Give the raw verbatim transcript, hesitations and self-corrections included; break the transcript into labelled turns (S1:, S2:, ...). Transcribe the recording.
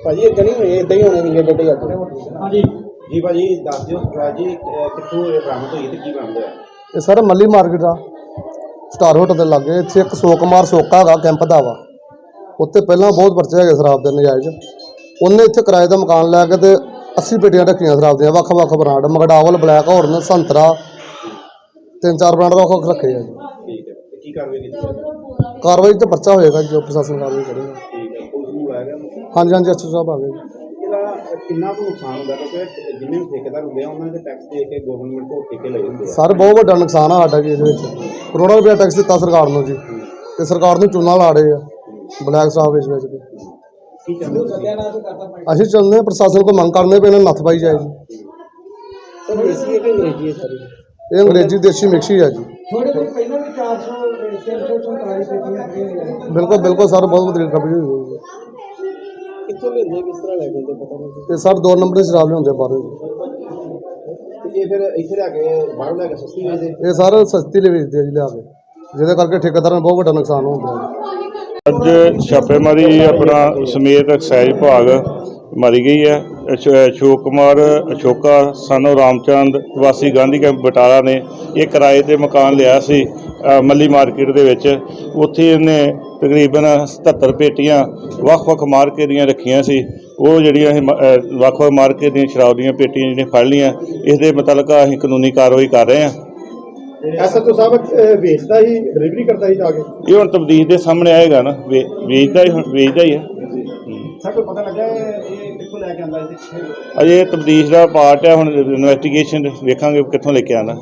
S1: ਭਾਜੀ ਇਦਾਂ ਨਹੀਂ ਹੋਏ, ਇਦਾਂ ਹੀ ਹੋਣੇ ਨਹੀਂ ਗੱਡੇ ਅੱਜ।
S2: ਹਾਂਜੀ
S1: ਜੀ ਭਾਜੀ ਦੱਸ ਦਿਓ ਜੀ ਕਿੱਥੋਂ ਇਹ ਬਰਾਮਦ ਹੋਈ ਤੇ ਕੀ ਬਰਾਮਦ ਹੋਇਆ?
S3: ਇਹ ਸਰ ਮੱਲੀ ਮਾਰਕੀਟ ਆ ਸਟਾਰ ਹੋਟਲ ਦੇ ਲਾਗੇ। ਇੱਥੇ ਇੱਕ ਸੋ ਕੁਮਾਰ ਸੋਕਾ ਹੈਗਾ ਕੈਂਪ ਦਾ ਵਾ, ਉੱਥੇ ਪਹਿਲਾਂ ਬਹੁਤ ਪਰਚੇ ਹੈਗੇ ਸ਼ਰਾਬ ਦੇ ਨਜਾਇਜ਼। ਉਹਨੇ ਇੱਥੇ ਕਿਰਾਏ ਦਾ ਮਕਾਨ ਲੈ ਕੇ ਤੇ अस्सी पेटियां रखियां शराब ਦੀਆਂ ਵੱਖ ਵੱਖ ਬ੍ਰਾਂਡ ਮਗਡਾਵਲ ਬਲੈਕ ਹੌਰਨ ਸੰਤਰਾ ਤਿੰਨ ਚਾਰ ਬ੍ਰਾਂਡ ਵੱਖ ਵੱਖ ਰੱਖੇ ਆ ਜੀ।
S1: ਠੀਕ ਹੈ ਤੇ ਕੀ ਕਾਰਵਾਈ ਕੀਤੀ?
S3: ਕਾਰਵਾਈ ਤੇ ਪਰਚਾ ਹੋਏਗਾ ਜੋ ਪ੍ਰਸ਼ਾਸਨ ਕਾਰਵਾਈ ਕਰੇਗਾ।
S1: ਠੀਕ ਹੈ ਪੁਲਿਸ ਨੂੰ ਬੁਲਾਇਆ ਗਿਆ?
S3: ਹਾਂਜੀ ਹਾਂਜੀ ਐਸਓ ਸਾਹਿਬ ਆ ਗਏ।
S1: ਇਹਦਾ ਕਿੰਨਾ ਕੁ ਨੁਕਸਾਨ ਹੁੰਦਾ ਕਿਉਂਕਿ ਜਿੰਨੇ ਵੀ ਠੇਕੇਦਾਰ ਹੁੰਦੇ ਆ ਉਹਨਾਂ ਦੇ ਟੈਕਸ ਦੇ ਕੇ ਗਵਰਨਮੈਂਟ ਕੋਲ ਠੇਕੇ ਲਏ ਹੁੰਦੇ ਆ।
S3: ਸਰ ਬਹੁਤ ਵੱਡਾ ਨੁਕਸਾਨ ਆ ਸਾਡਾ ਜੀ ਇਹਦੇ ਵਿੱਚ। ਕਰੋੜਾਂ ਰੁਪਇਆ ਟੈਕਸ ਦਿੱਤਾ ਸਰਕਾਰ ਨੂੰ ਜੀ ਤੇ ਸਰਕਾਰ ਨੂੰ ਚੂਨਾ ਲਾ ਰਹੇ ਆ ਬਲੈਕ ਸ਼ਰਾਬ ਵੇਚ ਵੇਚ ਕੇ।
S1: ਕੀ ਚਾਹੁੰਦੇ ਹੋ?
S3: ਅਸੀਂ ਚਾਹੁੰਦੇ ਹਾਂ ਪ੍ਰਸ਼ਾਸਨ ਕੋਲ ਮੰਗ ਕਰਨੇ ਪਏ ਇਹਨਾਂ ਨੂੰ ਨੱਥ ਪਾਈ ਜਾਏ ਜੀ।
S1: ਸਰ ਦੇਸੀ ਹੈ ਕਿ ਅੰਗਰੇਜ਼ੀ ਹੈ ਸਾਰੀ?
S3: ਇਹ ਅੰਗਰੇਜ਼ੀ ਦੇਸੀ ਮਿਕਸੀ ਆ ਜੀ।
S2: ਥੋੜੇ ਦਿਨ ਪਹਿਲਾਂ ਵੀ ਚਾਰ ਸੌ ਤਿੰਨ ਸੌ ਸੰਤਾਲੀ ਪੇਟੀਆਂ ਖਰੀਦੀਆਂ।
S3: ਬਿਲਕੁਲ ਬਿਲਕੁਲ ਸਰ ਬਹੁਤ ਵਧੀਆ ਖਬਰ ਹੋਈ ਹੈ।
S1: ਕਿੱਥੋਂ ਲੈਂਦੇ ਕਿਸ ਤਰ੍ਹਾਂ ਲੈ ਕੇ ਪਤਾ ਨਹੀਂ?
S3: ਤੇ ਸਰ ਦੋ ਨੰਬਰ ਦੀ ਸ਼ਰਾਬ ਲਿਆਉਂਦੇ ਬਾਹਰੋਂ ਜੀ।
S1: ਤੇ ਇਹ ਫਿਰ ਇੱਥੇ ਲੈ ਕੇ ਬਾਹਰੋਂ ਲੈ ਕੇ ਸਸਤੀ ਵੇਚਦੇ?
S3: ਇਹ ਸਰ ਸਸਤੀ ਲਈ ਵੇਚਦੇ ਆ ਜੀ ਲਿਆ ਕੇ, ਜਿਹਦੇ ਕਰਕੇ ਠੇਕੇਦਾਰਾਂ ਨੂੰ ਬਹੁਤ ਵੱਡਾ ਨੁਕਸਾਨ ਹੋ ਗਿਆ।
S4: ਅੱਜ ਛਾਪੇਮਾਰੀ ਆਪਣਾ ਸਮੇਤ ਐਕਸਾਈਜ਼ ਵਿਭਾਗ ਮਾਰੀ ਗਈ ਹੈ। ਅਸ਼ੋਕ ਕੁਮਾਰ ਅਸ਼ੋਕਾ ਸਾਨੂੰ ਰਾਮਚੰਦ ਵਾਸੀ ਗਾਂਧੀ ਕੈਂਪ ਬਟਾਲਾ ਨੇ ਇਹ ਕਿਰਾਏ ਤੇ ਮਕਾਨ ਲਿਆ ਸੀ ਮੱਲੀ ਮਾਰਕੀਟ ਦੇ ਵਿੱਚ। ਉੱਥੇ ਇਹਨੇ ਤਕਰੀਬਨ ਸਤੱਤਰ ਪੇਟੀਆਂ ਵੱਖ-ਵੱਖ ਮਾਰਕੇ ਦੀਆਂ ਰੱਖੀਆਂ ਸੀ। ਉਹ ਜਿਹੜੀਆਂ ਇਹ ਵੱਖ-ਵੱਖ ਮਾਰਕੇ ਦੀਆਂ ਸ਼ਰਾਬ ਦੀਆਂ ਪੇਟੀਆਂ ਜਿਹੜੀਆਂ ਫੜ ਲਈਆਂ। ਇਸ ਦੇ ਮੁਤਲਕ ਅਸੀਂ ਕਾਨੂੰਨੀ ਕਾਰਵਾਈ ਕਰ ਰਹੇ ਹਾਂ।
S1: ਐਸਐਚਓ ਸਾਹਿਬ ਵੇਚਦਾ ਹੀ ਡਿਲੀਵਰੀ ਕਰਦਾ ਹੀ ਜਾ ਕੇ?
S4: ਇਹ ਹੁਣ ਤਬਦੀਲ ਦੇ ਸਾਹਮਣੇ ਆਏਗਾ ਨਾ, ਵੇ ਵੇਚਦਾ ਹੀ ਵੇਚਦਾ ਹੀ ਹੈ।
S1: ਸਰ ਕੋਈ ਪਤਾ ਲੱਗਾ ਇਹ ਕਿੱਥੋਂ ਲੈ ਕੇ ਆਉਂਦਾ?
S4: ਅਜੇ ਤਬਦੀਲ ਦਾ ਪਾਰਟ ਹੈ, ਹੁਣ ਇਨਵੈਸਟੀਗੇਸ਼ਨ ਵੇਖਾਂਗੇ ਕਿੱਥੋਂ ਲੈ ਕੇ ਆਉਂਦਾ।